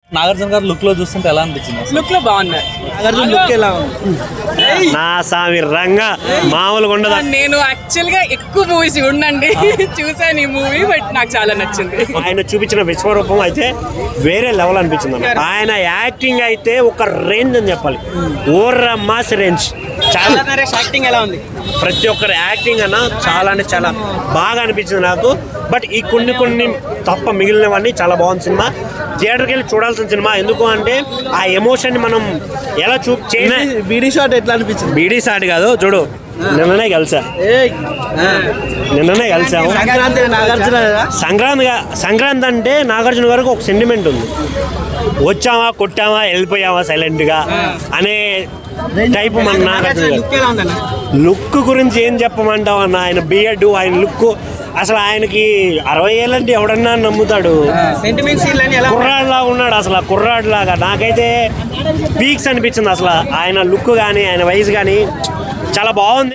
నాగార్జున గారు లుక్ లో చూస్తుంటే ఎలా అనిపించింది? లుక్ లో బాగున్నారు. నాగార్జున లుక్ ఎలా ఉంది? నా సామి రంగా మామూలుగా ఉండదు. నేను యాక్చువల్ గా ఎక్కువ మూవీస్ ఉండండి చూసాను ఈ మూవీ, బట్ నాకు చాలా నచ్చింది. ఆయన చూపించిన విశ్వరూపం అయితే వేరే లెవెల్ అనిపించింది అన్న. ఆయన యాక్టింగ్ అయితే ఒక రేంజ్ అని చెప్పాలి, ఓర్ర మాస్ రేంజ్. చాలా యాక్టింగ్ ఎలా ఉంది? ప్రతి ఒక్కరి యాక్టింగ్ అన్న చాలా అంటే చాలా బాగా అనిపించింది నాకు. బట్ ఈ కొన్ని తప్ప మిగిలినవన్నీ చాలా బాగుంది సినిమా. థియేటర్కి వెళ్ళి చూడాల్సిన సినిమా. ఎందుకు అంటే ఆ ఎమోషన్ని మనం ఎలా బీడీ షాట్ ఎట్లా అనిపించింది? బీడీ షాట్ కాదు చూడు, నిన్ననే కలిసాము. సంక్రాంతి అంటే నాగార్జున గారికి ఒక సెంటిమెంట్ ఉంది. వచ్చామా కొట్టామా వెళ్ళిపోయామా సైలెంట్గా అనే టైప్ మన నాగార్జున గారు. లుక్ గురించి ఏం చెప్పమంటావు అన్న? ఆయన బియర్డ్, ఆయన లుక్ అసలు ఆయనకి 60 ఏళ్ళంటే ఎవడన్నా నమ్ముతాడు. కుర్రాడ్లా ఉన్నాడు అసలు, కుర్రాడ్లాగా. నాకైతే పీక్స్ అనిపించింది అసలు ఆయన లుక్ కానీ ఆయన వయసు కానీ చాలా బాగుంది.